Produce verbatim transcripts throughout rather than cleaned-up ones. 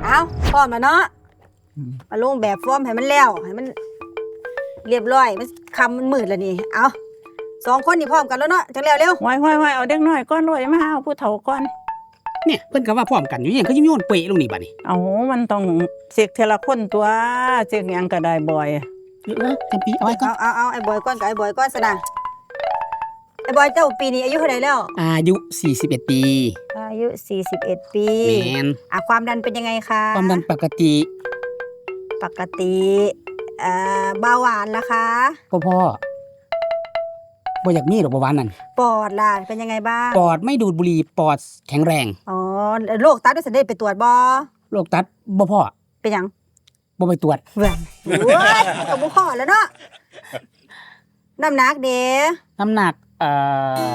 เอาพร้อมแล้วเนาะมาลงแบบฟอร์มให้มันแล้วให้มันเรียบร้อยมันคำมันมืดแล้วนี่เอาสองคนนี่พร้อมกันแล้วเนาะจังแล้วเร็วห้อยห้อยห้อยเอาเด็กน้อยก้อนรวยมาเอาผู้เฒ่าก้อนเนี่ยเพิ่นก็ว่าพร้อมกันอยู่ยังก็ยิ้มโยนเปะลงนี่บัดนี้เอามันต้องเสกเทละคนตัวเสกหยังก็ได้บ่อยเออจำปีเอาไว้ก่อนเอาเอาเอาไอ้บอยก้อนกับไอ้บอยก้อนซะนะไอ้บอยเจ้าปีนี้อายุเท่าไหร่แล้วอายุสี่สิบเอ็ดปีอายุสี่สิบเอ็ดปีแม่นอ่ะความดันเป็นยังไงคะความดันปกติปกติเอ่อเบาหวานล่ะคะพ่อพ่อบ่อยากมีหรอกเบาหวานนั่นปอดล่ะเป็นยังไงบ้างปอดไม่ดูดบุหรี่ปอดแข็งแรงอ๋อโรคตับด้วยสันเดชไปตรวจบ่โรคตับบ่พ่อเป็นหยังบ่ไปตรวจเว้ยโอ้ยก็บ่พอแล้วเนาะน้ำหนักเด้น้ำหนักเอ่อ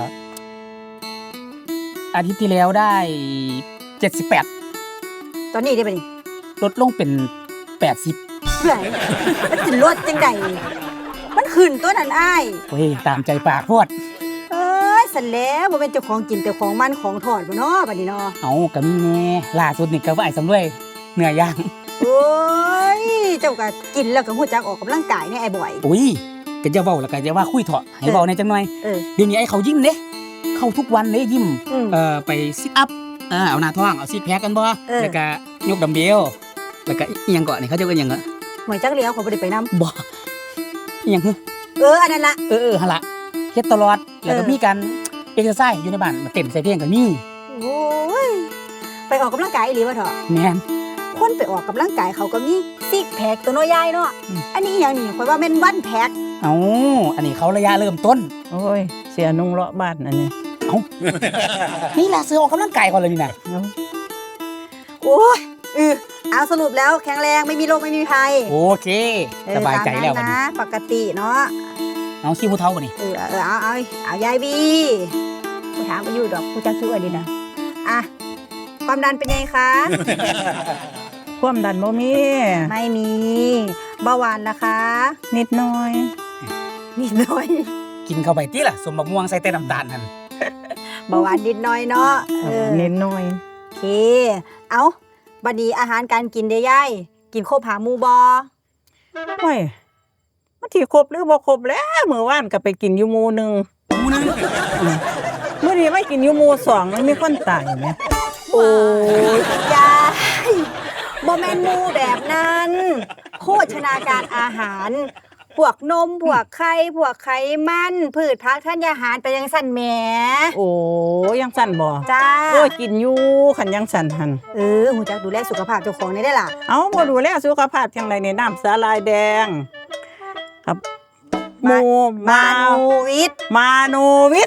อาทิตย์ที่แล้วได้เจ็ดสิบแปดตอนนี้ได้ป่ะนี่ลดลงเป็นแปดสิบเว้ยมันสิลดจังได๋มันขึ้นตัวนั้นอ้ายโอ้ยตามใจปากโพดเอ้ยสั่นแล้วบ่เป็นเจ้าของกินแต่ของมันของทอดบ่เนาะบัดนี้เนาะเอ้าก็มีแน่ล่าสุดนี่ก็ว่าไอ้สำรวยเนื้อย่างโอ้ยเจ้าก็กินแล้วก็ฮู้จักออกกำลังกายแน่ไอ้บ่อยอุ้ยก็จะเว้าแล้วก็จะว่าคุยเถาะให้เว้าในจังหน่อยเดี๋ยวนี้ไอ้เขายิ้มเด้เข้าทุกวันเด้ยิ้มเอ่อไปซิทอัพเออเอาหน้าท้องเอาซิทแพคกันบ่แล้วก็ยกดัมเบลแล้วก็อีหยังก่อนนี่เขาจะเอิ้นหยังอ่ะหวยจักเลี้ยวเขาบ่ได้ไปนำบ่อีหยังคือเอออันนั้นล่ะเออๆหั่นล่ะเฮ็ดตลอดแล้วก็มีการเอ็กเซอร์ไซส์อยู่ในบ้านมาเต้นใส่เพลงก็มีโอ้ยไปออกกำลังกายอีหลีบ่เถาะแม่นคนไปออกกำลังกายเขาก็มีซิกแพคตัวน้อยใหญ่เนาะอันนี้อีหยังนี่ข่อยว่าแม่นวันแพคเอ้าอันนี้เขาระยะเริ่มต้นโอ้ยเสียนุ่งเลาะบ้านอันนี้เอ้านี่ล่ะซื้อออกกำลังกายก่อนเลยนี่น่ะโอ้ยเออเอาสรุปแล้วแข็งแรงไม่มีโรคไม่มีภัยโอเคสบายใจแล้วบัดนี้นะปกติเนาะเอาขี้ผู้เฒ่าบัดนี้เออเออเอาเอาเอายายบีผู้ถามไปอยู่ดอกผู้จักชื่ออันนี้นะอ่ะความดันเป็นไงคะความดันบ่มีไม่มีเบาหวานนะคะนิดหน่อยนิดหน่อยกินเข้าไปติล่ะสมบักม่วงใส่แต่น้ำตาลนั่นเบาหวานนิดหน่อยเนาะเออนิดหน่อยโอเคเอาบัดนี้อาหารการกินเด้ยายกินครบหาหมู่บ่โอ้ยมันสิครบหรือบ่ครบแล้วมื้อวานก็ไปกินอยู่หมู่นึงหมู่นึงมื้อนี้ไม่กินอยู่หมู่สองมันมีคนตายแหมโอ้ยยายบ่แม่นหมู่แบบนั้นโภชนาการอาหารพวกนมพวกไข่พวกไขมันพืชผักธัญญาหารไปยังสั่นแหมโอ้ยังสั่นบ่จ้าโอ้ยกินอยู่คันยังสั่นหั่นเออฮู้จักดูแลสุขภาพเจ้าของได้ได้ล่ะเอ้าบ่ดูแลสุขภาพจังได๋นี่น้ำสาลายแดงครับโมมาโนวิทมาโนวิท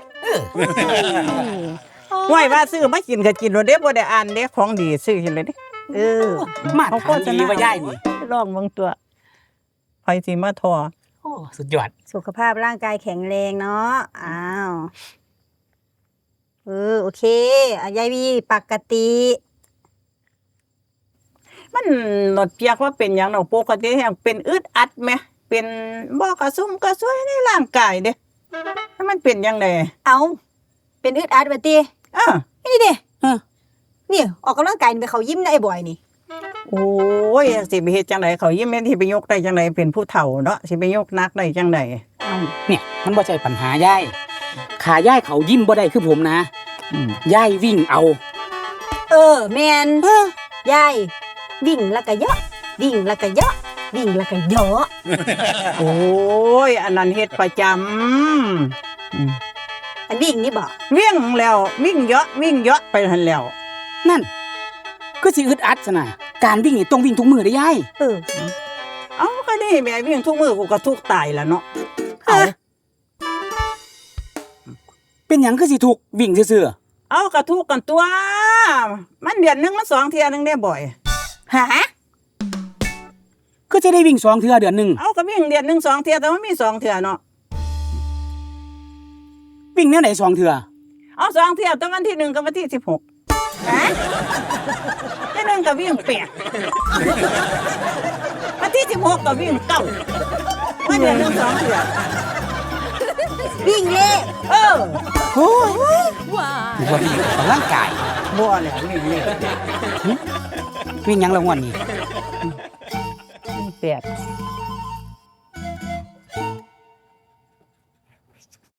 ห้วยว่าซื้อมากินก็กินโลดเด้บ่ได้อ่านเด้ของดีซื้อกินเลยเด้เออมาทานดีว่ายายนี่ลองเบิ่งตัวไผสิมาทอโอ้สุดยอดสุขภาพร่างกายแข็งแรงเนาะอ้าวเออโอเคอ่ะยายบีปกติมันหลดเปียกว่าเป็นหยังดอกปกติแฮงเป็นอึดอัดแหมเป็นบ่กระซุ่มกระซวยในร่างกายเด้มันเป็นจังได๋เอ้าเป็นอึดอัดบัดติเออนี่ดิเออนี่ออกกำลังกายไปเขายิ้มได้บ่อยนี่โอ้ยสิไปเฮ็ดจังได๋เขายิ้มแม่นสิไปยกได้จังได๋เป็นผู้เฒ่าเนาะสิไปยกหนักได้จังได๋เอ้าเนี่ยมันบ่ใช่ปัญหายายขายายเขายิ้มบ่ได้คือผมนะยายวิ่งเอาเออแม่นยายวิ่งแล้วก็เยาะวิ่งแล้วก็เยาะวิ่งแล้วก็เยาะโอ้ยอันนั้นเฮ็ดประจำอืมอันวิ่งนี่บ่วิ่งแล้ววิ่งเยาะวิ่งเยาะไปหั่นแล้วนั่นก็สิอึดอัดซะน่ะการวิ่งนี่ต้องวิ่งทุกมื้อเด้ยายเออเอ้าก็นี่แม่วิ่งทุกมื้อกูก็ทุกตายแล้วเนาะเอ้าเป็นหยังคือสิทุกวิ่งซื่อๆเอ้าก็ทุกกันตัวมันเดือนนึงมันสองเที่ยนึงได้บ่อยฮะก็จะได้วิ่งสองเทื่อเดือนนึงเอ้าก็วิ่งเดือนนึงสองเที่ยแต่มันมีสองเที่ยเนาะวิ่งแนวไหนสองเทื่อเอาสองเที่ยตอนวันที่หนึ่งกับวันที่สิบหกฮะที่หนึ่งก็วิ่งแปดวันที่สิบหกก็วิ่งเก้าวันเดือนนึงสองเที่ยวิ่งเล่เออโอ้ยว้าบ่วิ่งออกกำลังกายบ่แล้ววิ่งเล่วิ่งหยังละงวดนี่แปด